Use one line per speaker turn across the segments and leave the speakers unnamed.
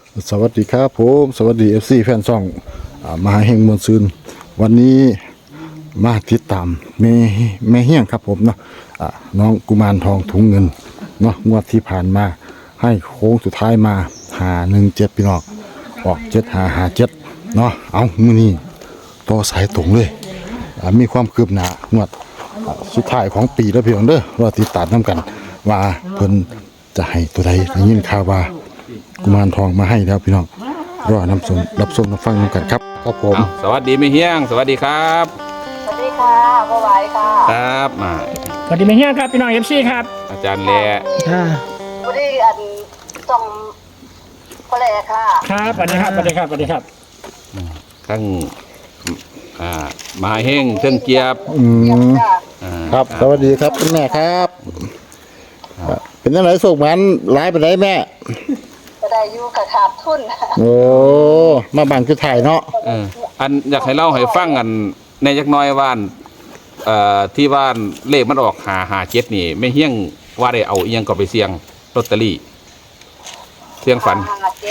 สวัสดีครับผมสวัสดี FC แฟนซ่องมหาเฮงมวลซืนวันนี้มาติดตามแม่เฮี้ยงครับผมเนาะน้องกุมารทองถุงเงินเนาะงวดที่ผ่านมาให้โค้งสุดท้ายมา517พี่น้องออก7557เนาะเอามื้อนี้ต่อสายตรงเลยมีความคืบหน้างวดสุดท้ายของปีแล้วพี่น้องเด้อรอติดตามนํกันว่าเพิ่นจะให้ตัวใดได้ยินข่าวว่ากุมารทองมาให้แล้วพี่น้องรอรับชมรับฟังกันครับครับผม
สวัสดีแม่เฮียงสวัสดีครับ
สวัสดีค่ะพ่อไหวค่ะ
ครับมา
สวัสดีแม่เฮียครับพี่น้องFCครับ
อาจารย์แล
สวัสดีอันส่งพ่อแหล่ค่ะ
ครับสวัสดีครับสวัสดีครับสวัสดีครับ
ทั้งมาเฮงเครื่องเกียบ
ค่ะ
ครับสวัสดีครับคุณแม่ครับเป็นยังไงส่งมันร้ายไปไหนแม่
ก็ได้อยู่กับขาดทุน
โอ้มาบังคือถ่ายเนาะ
อันอยากให้เล่าให้ฟังกันในยักน้อยว่านที่ว่านเลขมันออก557นี่แม่เฮียงว่าได้เอาเอียงก็ไปเสี่ยงลอตเตอรี่เสี่ยงฝัน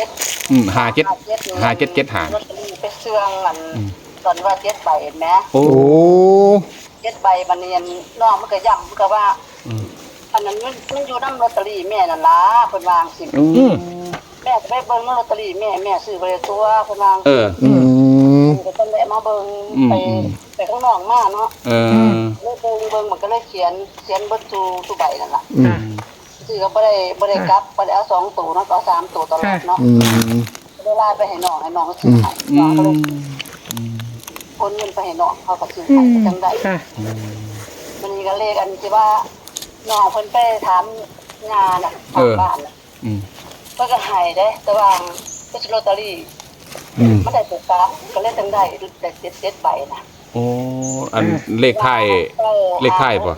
5775
รถนี้ไปเสื่องมันตอนว่า7ใบเห็นไหม
โอ้
โอ้
7ใบมันเนียนน้องมันก็ย้ำมันก็ว่าอันนั้นมันอยู่น้ำลอตเตอรี่แม่นั่นล่ะเพิ่นวางสิแม่ก็ไปเบิ่งลอตเตอรี่แม่ซื้อไปตัวเพิ่นวาง
อืม
ก็ต้องได้มาเบิ่งไปข้างนอกมาเนาะเลยเบิ่งมันก็เลยเขียนเบิดทุใบนั่นล่ะซื้อก็บ่ได้กลับบ่ได้เอา2ตัวเนาะก็เอา3ตัวตลอดเนาะ
อืม
ได้ลาไปให้น้องก็ซื้อให้น้องก็เลยโอนเงินไปให้น้องเขาก็ซื้อให้จังได๋
ค่ะ
มันนี่ก็เลขอันที่ว่าน้องเพิ่นไปถามงานน่ะทางบ้านน่ะเพิ่นก็ให้เด้แต่ว่าไปซื้อลอตเตอรี่มันได้ตัวกราฟก็เลยจังได้7ใบน่ะ
โอ้อันเลขท้ายป่ะ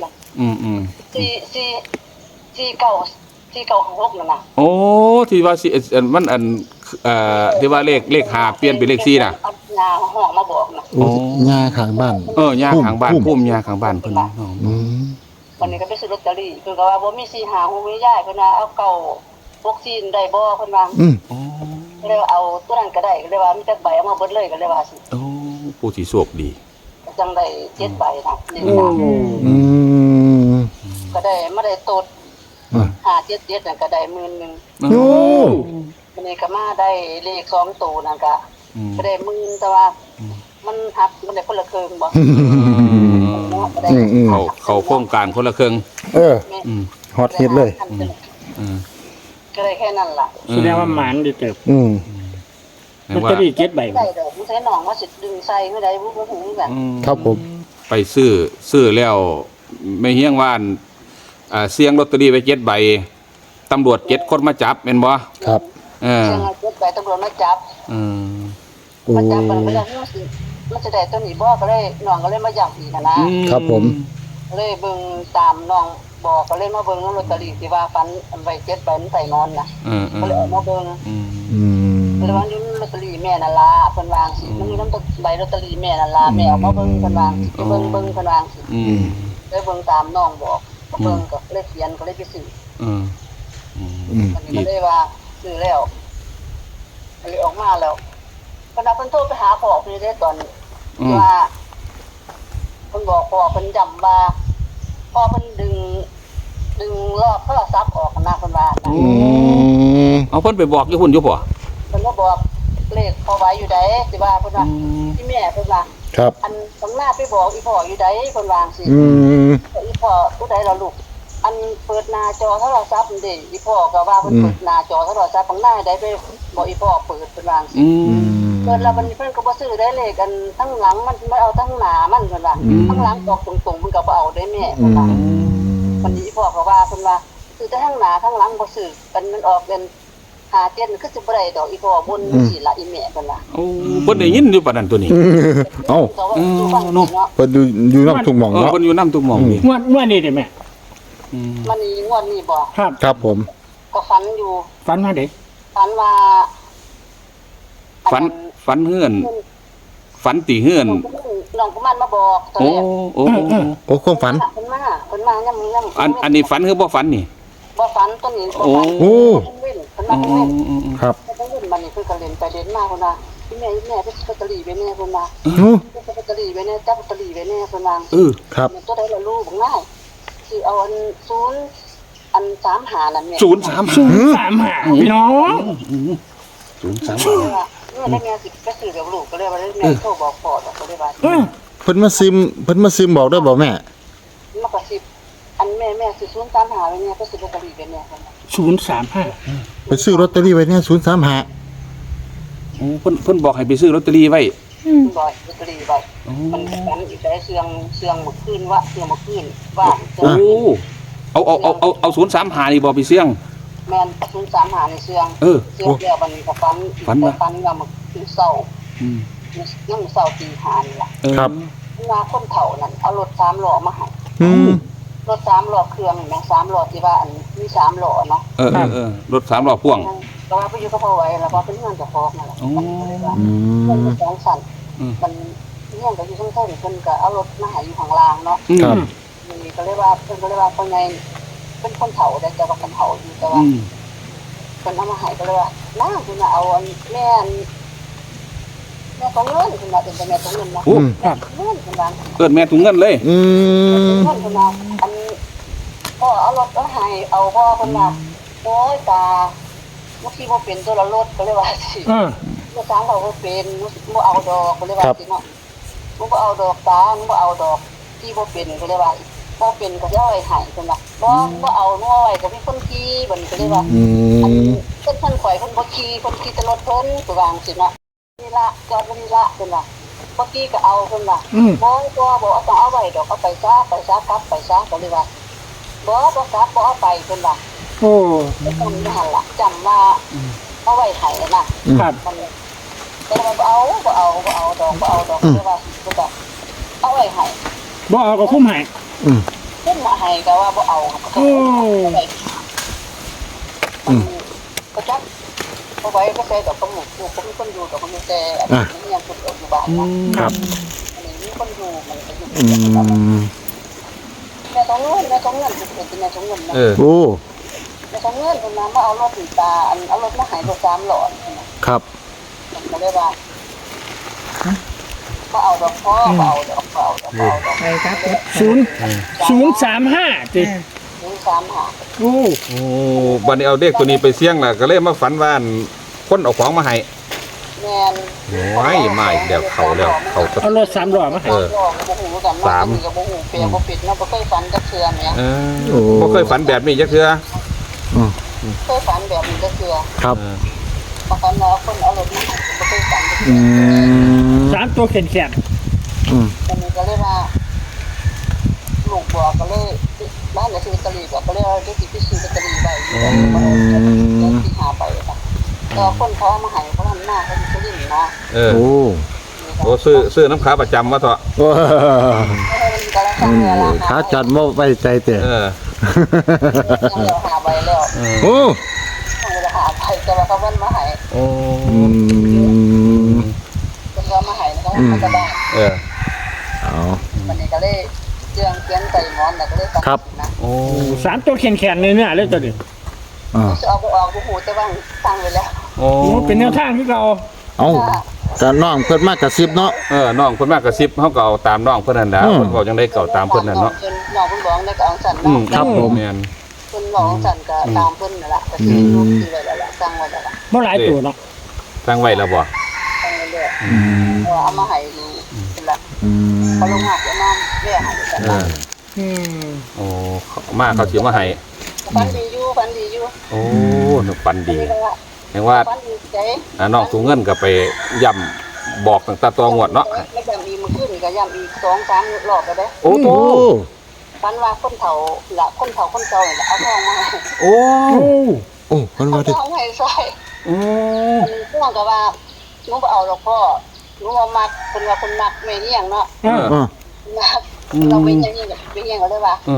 496นั่นน่ะ
โอ้ที่ว่าสิมันที่ว่าเลข5เปลี่ยนเป็นเลข4น่ะ
งาห้องมาบอกน่ะ
โอ้ย่าข้างบ้าน
ย่าข้างบ้านพุ่มย่าข้างบ้านเพิ่น
อืม
วันนี้ก็ไปซื้อลอตเตอรี่เพิ่นก็ว่าบ่มี4 5 6มียายเพิ่นว่าเอาเก่า64ได้บ่เพิ่นว่า
โอ้
ก็เลยเอาตัวนั้นก็ได้ก็เลยว่ามีจักใบเอามาเบิดเลยก็เลยว่าสิ
โอ้ผู้ที่โชคดี
จังได้7ใบนะนี่นะ
อืม
ก็ได้มาได้ตด577นั่นก็ได้10,000
โอ้
วันนี้ก็มาได้เลข2ตัวนั่นก็ได้10,000แต่ว่ามันหักมันได้คนละครึ่งบ่เนาะก็ได้
เขาโครงการคนละครึ่ง
ฮอตฮิตเลย
ก็ได้แค่นั้นล่ะ
แสดงว่าหมานดีเติบ มัน
ว่า
จะดีเก็ตใบ
ได้ดอกมันใส่หนองว่าสิดึงใส่เมื่อใดบ่ฮู้กัน
ครับผม
ไปซื้อแล้วไม่เฮี้ยงว่านเสี่ยงลอตเตอรี่ไป7ใบตำรวจ7คนมาจับแม่นบ่
ครับ
เออ
เชียงราย7ใบตำรวจมาจับ
โอ้
มันจับมันไม่ได้มันจะได้ตัวนี้บ่ก็เลยน้องก็เลยมาย้ำอีกนะครับ
ผม
เลยเบิ่งตามน้องบอกก็เลยมาเบิ่งลอตเตอรี่ที่ว่าฟันไว้7ใบมันใส่นอนน่ะก็เลยเอามาเบิ่ง
อืม
เลยว่านี่ลอตเตอรี่แม่นั่นล่ะเพิ่นวางสิมันมีน้ำใบลอตเตอรี่แม่นั่นล่ะแม่เอามาเบิ่งเพิ่นวางสิเบิ่งเพิ่นวางสิเลยเบิ่งตามน้องบอกก็เบิ่งก็เลยเขียนก็เลยไปซื้อมันก็เลยว่าซื้อแล้วเลยออกมาแล้วเพิ่นเอาเพิ่นโทรไปหาพ่อเพิ่นได้ตอนว่าเพิ่นบอกพ่อเพิ่นย้ำว่าพ่อเพิ่นดึงรอบโทรศัพท์ออกนะเพิ่นว่า
เอาเพิ่นไปบอกอยู่หุ่นอยู่บ่
เพิ่นก็บอกเลขพ่อไว้อยู่ใดสิว่าเพิ่นว่าที่แม่เพิ่นว่า
ครับ
อันข้างหน้าไปบอกอีพ่ออยู่ใดเพิ่นวางสิ อีพ่อผู้ใดล่ะลูกอันเปิดหน้าจอโทรศัพท์นี่ดิอีพ่อก็ว่าเพิ่นเปิดหน้าจอโทรศัพท์ข้างหน้าได้ไปบอกอีพ่อเปิดเพิ่นวางสิเปิดแล้วมันเพิ่นก็บ่ซื้อได้เลขกันทั้งหลังมันไม่เอาทั้งหน้ามันเพิ่นว่าทั้งหลังออกตรงๆเพิ่นก็บ่เอาได้แม่เพิ่นว่าวันนี้อีพ่อก็ว่าเพิ่นว่าซื้อแต่ทั้งหน้าทั้งหลังบ่ซื้อกันมันออกเป็น57คือสิบ่ได้ดอกอีพ่อบนสิละอีแม่เพิ่นว่า
โอ้เพิ่นได้ยินอยู่ปานนั้นตัวนี้
เอ้า
ก็ว่าอยู่ฟังนี่เนาะ
เพิ่นอยู่น้ำทุ่งหม่อง
เออ
เนาะ
เพิ่นอยู่น้ำทุกหม่องนี่
งวดนี่เด้แม่
มันนี่งวดนี้บ่
ครับ
ครับผม
ก็ฝันอยู่
ฟันมาเด็ก
ฝันว่า
ฝันเฮือนฝันตีเฮือน
น้องกุมารมาบอกตอน
โอ้
แรก
โอ้
โอ้ความฝัน
เพิ่นมาย่ำ
อันนี้ฝันคือบ่ฝันนี่
บ่ฝันตัวนี้บ่ฝัน
โอ้
เพิ่นเว้นเพิ่นมาเพิ่นเว้น
ครับ
เพิ่นเว้นมันนี่เพิ่นก็เล่นไปเล่นมาคนน่ะพี่แม่ไปซื้อลอตเตอรี่ไว้แน่คนน่ะ
โอ้
ไปซื้อลอตเตอรี่ไว้แน่จับลอตเตอรี่ไว้แน่คนน่ะ
ครับ
มันตัวใดละลูกบ่ง่ายสิเอาอัน0อัน3หานั่นแม่
035พี่น้อง
เนี่ยได้แม่สิไปซื้อกับลูกก็เลยว่าแม่โทรบอกพ่อดอกก็เลยว่า
เพิ่นมาซิมบอกได้บ่แม่
มากระซิบอันแม่สิ035ไว้แน่ไปซื้อลอตเตอรี่ไว้แน่คนน่ะ
035
ไปซื้อลอตเตอรี่ไว้เนี่ย035
โอ้เพิ่นบอกให้ไปซื้อลอตเตอรี่ไว้
คุณบอยลอตเตอรี่ไว้มันอยู่ใช้เชืองเมื่อคืนว่าเชืองเมื่อคืนว่า
โอ้เอา035นี่บ่ไปเสี่ยง
แม่น035ในเชือง
เออ
เชืองเดียวมันก็ฟันว่ามันคือเศร้า
อืม
ยังเศร้าตีหานี่ล่ะ
ครับ
ว่าคนเฒ่านั่นเอารถ3ล้อมาให้
อืม
รถ3ล้อเครื่องนี่แม่3ล้อที่ว่าอันมี3ล้อเนาะ
เออรถ3ล้อพ่วง
ก็ว่าไปอยู่กับพ่อไว้แล้วว่าเป็นเงินเจ้าของนั่นแหละ
อ๋อ
มันก็เลยว่า
อื
มัน
ม
เป็นสองสั่น
อืม
มันเรื่องก็อยู่ข้างต้นเพิ่นก็เอารถมาให้อยู่ข้างล่างเนาะ
ครับ
นี่ก็เลยว่าเพิ่นก็เลยว่าคนไงเป็นคนเฒ่าได้แต่ว่าคนเฒ่าอยู่แต่ว่า
อืม
เพิ่นเอามาให้ก็เลยว่าน้าคุณน่ะเอาอันแม่ของเงินคุณน่ะเป็นแม่ของเงินนะ
โอ้
ครับ
เงินคุณน่ะ
เกิดแม่ถุงเงินเลย
อืม
เงินคุณน่ะอันพ่อเอารถมาให้เอาพ่อคุณน่ะโอ้ยตาเมื่อกี้บ่เป็นตัวละรถก็เลยว่าสิ เมื่อสามเราบ่เป็นบ่เอาดอกก็เลยว่าสิเนาะบ่เอาดอกตาบ่เอาดอกที่บ่เป็นก็เลยว่าบ่เป็นก็จะเอาไว้ให้เพิ่นน่ะบ่เอาหน่อยก็มีคนขี่บัดนี้ก็เลยว่า
อื
อัน
ม
เพิ่นข่อยเพิ่นบ่ขี่เพิ่นขี่แต่รถเพิ่นก็วางสิเนาะนี่ละจอดไว้นี่ละเพิ่นว่าบ่ขี่ก็เอาเพิ่นว่าบ่เอาต้องเอาไว้ดอกเอาไปซะกลับไปซะก็เลยว่าบ่กลับบ่เอาไปเพิ่นว่า
โอ้
ก็ต้องอยู่หั่นล่ะจำว่าเอาไว้ให้น่ะ
ครับ
มันแต่ว่าบ่เอาดอกบ่เอาดอกคือว่าคือแบบเอาไว้ให้
บ่เอาก็คุ้มให้
อืม
เพิ่นมาให้ก็ว่าบ่เอาก็
โอ้
ก็จักเอาไว้ก็ใส่ดอกกระหมูกก็มีคนอยู่ดอกกระหมูแต่อันนี้ยังคนอยู่บ้านนะครับ อันนี้มีคนอยู่มันก็อยู่
อืม
แม่ต้องเงินเป็นแม่ต้องเงินนะ
เออ
โอ้
แม่ต้องเงินเพิ่นมาเอารถติดตาอันเอารถมาให้รถ3หลอด
ครับ
มันก็เลยว่าบ่เอาดอกพ่อบ่เอาดอก
ไปครับ
035ติ
นี่3หา
โอ้
โอ้บัดนี้เอาเด็กตัวนี้ไปเสี่ยงล่ะก็เลยมาฝันว่าอันคนเอาของมาให้
แม่น
โอ้ยมาอีกแล้วเขาจะ
เอารถ3ล้อมาให้
บ่ฮู้กันว่าอันนี้ก็บ่ฮู้เปียบ่ปิดเนาะบ่เคยฝันจักเทื่อแหม
บ่เคยฝันแบบนี้จักเทื่อ
เคยฝันแบบนี้จักเทื่อ
ครับ
บ่ฝันว่าคนเอารถมาให้บ่เคยฝันจัก
อื
เทื่อ
ม
3ตัวแข็ง
อืม
ตอนนี้ก็เลยว่าลูกบอกก็เลยบ้านน่ะซื้อลอตเตอรี่ก็เลยเอาได้สิไปซื้อลอตเตอรี่ไว้ที่หาไปค่ะก็คนเขาเอามาให้เขาทำหน้าเขาสิลิ้นนะ
เออ
โอ้
โอ้ซื้อน้ำขาประจำมาเถอะ
โอ้
ก็แล้วสั่งเวลา
ขาจัดบ่ไว้ใจเตะ
เออ
เราหาไปแล้ว
โอ้
เราหาไปแต่ว่าเขาเพิ่นมาให้
โอ้
อืม
เพิ่นก็มาให้แล้วก็มาได้
เออ
เอา
วันนี้ก็เลยเจียงเขียนใส่หมอนแล้วก็เลยตัดนะ
โอ้
ๆ3ตัวแข็งๆเนี่ยเลยตัวนี้
อ่า
จะเอาบ่ออกบ่ฮู้แต่ว่าตั้งไว้แล้ว
โอ้
โอ้เป็นแนวทางที่เรา
เอาแต่น้องเพิ่นมากระซิบเนาะ
น้องเพิ่นมากระซิบเฮาก็เอาตามน้องเพิ่นนั่นแหละ
อืม
เพิ่นบอกจังได๋ก็เอาตามเพิ่นนั่นเนาะ
น้องเพิ่นบอกได้ก็เอาสั่น
อื
เนาะ
มครับผมแม่น
เพิ่นบอกสั่นก็ตามเพิ่นนั่นล่ะก็สิลูกสิไว้แล้วล่ะตั้งไว้แล้วล่ะ
บ่หลายตัวเนาะ
ตั้งไว้แล้วบ่
ตั้งไว้แล้ว
อืม
เอามาให้ดูเป็นละ
อืม
เขาลงหักแล้วน้ำแม่ให้กัน
เออ
อืม
โอ้มาเขาสิมาให้
ฟันดีอยู่
โอ้นึกปันดี
นี่ก็ว่า
แห่งว่า
ฟันดีใจ
น้องสูงเงินก็ไปย่ำบอกตั้งแต่ตัวงวดเนาะ
แล้วย้ำอีกมื้อคืนนี่ก็ย้ำอีก2-3รอบก็ได้
โอ้โต
ฟันว่าคนเฒ่าล่ะคนเฒ่าคนเก่านี่ล่ะเอาทองมาให้
โอ้
โอ้เพิ่น
เอา
ว่าได้
ทองให้ใส่
โอ้
เรื่องก็ว่าหนูบ่เอาดอกพ่อหนูบ่มักเพิ่นว่าเพิ่นมักแม่เลี้ยงเนาะ
อ่า
อ่า
มักเราไม่ยังก็เลยว่า
อืม
เ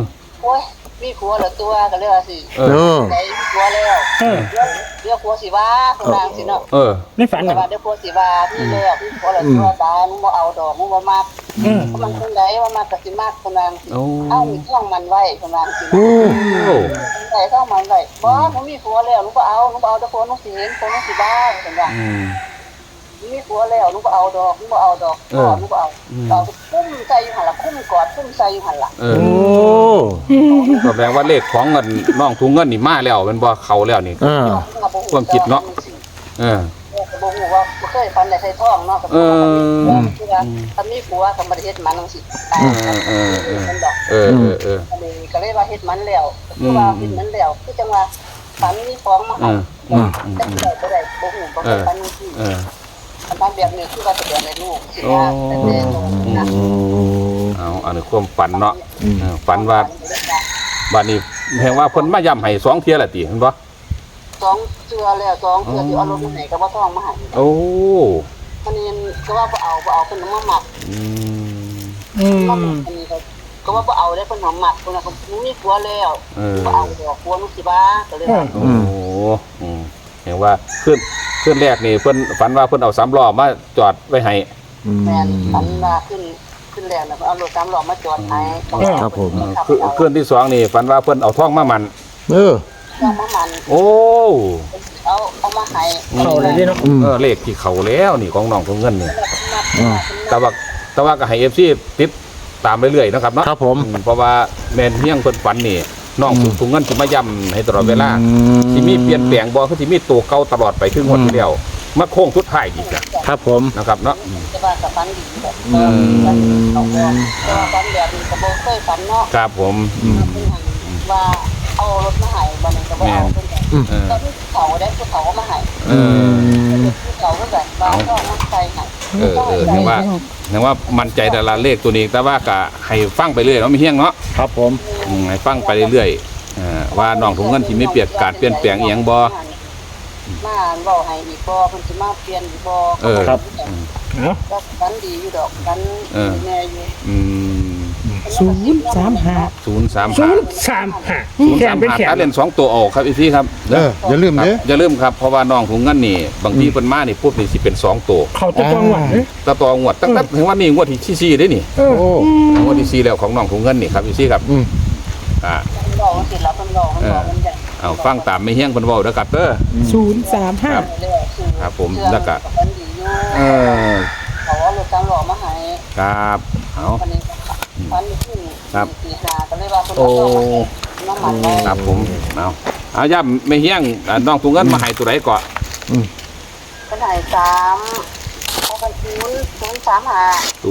โอ้ยมีผัวเหลือตัวก็เลยว่าสิ
เอ
เอ
อ
อ
ไหนมีผัวแล้ว
เออ
เดี๋ยวผัวสิว่าคนนางสิเนาะ
เออ
ไม่ฝัน
แต่
น่ะ
ว่าเดี๋ยวผัวสิว่าพี่แล้วพี่ผัวเหลือตัวตายมึงบ่เอาดอกมึงบ่มัก
เออ
มันคนใดว่ามากก็สิมากคนนางสิ
โอ้
เอ้ามีท่องมันไว้คนนางสิ
โอ้
โอ้
ใส่ท่องมันไว้บ่มึงมีผัวแล้วมึงบ่เอามึงบ่เอาแต่ผัวมึงสิเห็นผัวมึงสิบ้าเห็นบ่
อืม
มีผัวแล้วมึงบ่เอาดอกมึงบ่เอาดอกพ่อมึงบ่เอาเอาคุ้มใส่อยู่หั่นล่ะคุ้มกอดคุ้มใส่อยู่หั่นล่ะ
เอ
โอ้
อแสดงว่าเลขของเงินน้องถุงเงินนี่มาแล้วเป็นบ่เขาแล้วนี่
อ่า
ความคิดเนาะ เออ
บ่ฮู้ว่าบ่เคยฝันได้ใส่ท้องเนาะก็
เออ
คือว่าถ้ามีผัวก็บ่ได้เฮ็ดมันจังซี่ตาย
เออเออ
มันดอก
เออเออเออ
ก็เลยว่าเฮ็ดมันแล้วคือว่าเฮ็ดมันแล้วคือจังว่าฝันมีของมาให้แต่ได้บ่ได้บ่ฮู้บ่เคยฝันจริง
เออ
อันนั้นแบบนี้คือว่าจะเดือนในลูกสิว่าแต่เด็กนะ
โอ้
เอาอันนี้ความฝันเนาะฝันว่าบัดนี้แห่งว่าเพิ่นมาย้ำให้2เที่ยละติเห็นบ่
สองเชือแล้วสองเชือที่เอารถมาให้ก็บ่ต้องมาให้
โอ้
มันนี่ก็ว่าบ่เอาเพิ่นมาหมัก
อืม
อืม
อันนี้ก็ว่าบ่เอาได้เพิ่นหมักเพิ่นน่ะเพิ่นมีผัวแล้ว
เออ
บ่เอาดอกผัวมึงสิบ้าก็เลยว่า
โอ้เห็นว่าขึ้นแรกนี่เพิ่นฝันว่าเพิ่นเอา3ล้อมาจอดไว้ให้
แม่นอันว่าขึ้นแล้วนะเอารถ3ล้อมาจอดให้
ครับผม
ขึ้นที่2นี่ฝันว่าเพิ่นเอาทองมามัน
เออ
ต้องมามัน
โอ้
เอามาให้
เข้าเลยดิเนาะ
เลขที่เขาแล้วนี่ของน้องถุงเงินนี่
อ่า
แต่ว่าก็ให้ FC ติดตามเรื่อยๆนะครับเนาะ
ครับผม
เพราะว่าแม่นเฮียงเพิ่นฝันนี่น้องถุงเงินสิมาย้ำให้ตลอดเวลา
อื
สิมีเปลี่ยนแปลงบ่คือสิมีตัวเก่าตลอดไปถึงงวดที่แล้วมาโค้งสุดท้ายอีกอะ
ครับผม
นะครับเนาะ
แต่ว่าก็ฝันดีแบบเอาแต่ว่าฝันแบบนี้ก็บ่เคยฝันเนาะ
ครับผม
ว่าเอารถมาให้บัดนี้ก็บ่เอาเพิ่นก็
เออ
ก็มีเขาได้ผู้เขาก็มาให้
เออ
ผู้เขาก็แบบว่าก็มาใส่ให้
เห็นว่ามั่นใจแต่ละเลขตัวนี้แต่ว่าก็ให้ฟังไปเรื่อยเนาะมีเฮียงเนาะ
ครับผม
ให้ฟังไปเรื่อยๆว่าน้องถุงเงินสิมีเปลี่ยนการเปลี่ยนแปลงอีหยังบ่
มาเว้าให้อีกบ่เพิ่นสิมาเปลี่ยนอีกบ่
เนาะ
ก็ฝันดีอยู่ดอกฝันแน่อยู่
อืม
035
035แขนเป็นแขน
ตัดเล่น2ตัวออกครับอีซี่ครับ
เอออย่าลืม
ครับ
เด้อ
อย่าลืมครับเพราะว่าน้องถุงเงินนี่บางทีเพิ่นมานี่ปุ๊บนี่สิเป็น2ตัว
เขาจะต้องหวังเลย
ตะตองวดตั้งแต่ถึงวันนี้งวดที่4ได้นี่
เออ
โอ้
งวดที่4แล้วของน้องถุงเงินนี่ครับอีซี่ครับ
อืม
อ่า
เพิ่นบอกสิรับเพิ่นบอกมันใหญ่
เอาฟังตามไม่เฮี้ยงเพิ่นเว้าเด้อครับเด้อ
035
ครับผมแล้วก็
ฝันดีอยู่
เออ
เขาเอารถ3ล้อมาให้
ครับเอา
วันนี้ฝันขึ้น
ครับ
ตี5ก็เลยว่าเพิ่น
โอ้
เอาน้ำมันไว้
ครับผมเอาย่ำไม่เฮี้ยงน้องถุงเงินมาให้ตัวไหนก่อน
เพิ่นให้3เอากัน035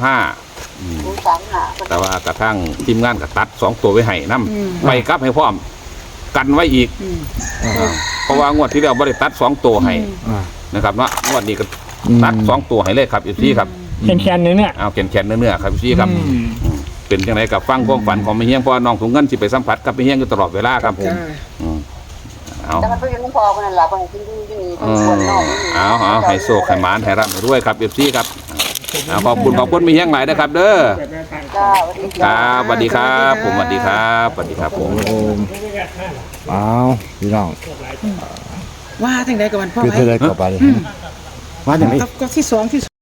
035แต่ว่ากระทั่งทีมงานก็ตัด2ตัวไว้ให้นํไปกลับให้พร้อมกันไว้อีกเพราะว่างวดที่แล้วบ่ได้ตัด2ตัวให้
อ่า
นะครับเนาะงวดนี้ก็ตัด2ตัวให้เลยครับอีซี่ครับ
แขนเนี่ย
เอาแขนๆเนื้อๆครับอีซี่ครับเป็นจังไดกับฟังความฝันของไม่เฮี้ยงเพราะว่าน้องถุงเงินสิไปสัมผัสกับไม่เฮี้ยงอยู่ตลอดเวลาครับผมเอา
แต่มันเพิ่นอยู่ในพอเพิ่นนั่นล่ะเพิ่นขึ้นอยู่นี่เพิ่นควรนอกนี่
เอาให้โศกให้หมานให้ร่ำให้รวยครับเอฟซีครับขอบคุณมีเฮี้ยงหลายนะครับเด้อ
จ้าสวัสดี
ค
จ้า
รับสวัสดีครับผมสวัสดีครับสวัสดีครับผม
โอ้เอาพี่น้อง
ว่าทางใดกับวันพ่อ
คือ
ไว้
เท่าไรก็ไปเลยว่าอย่างนี้
ก็ที่2ที่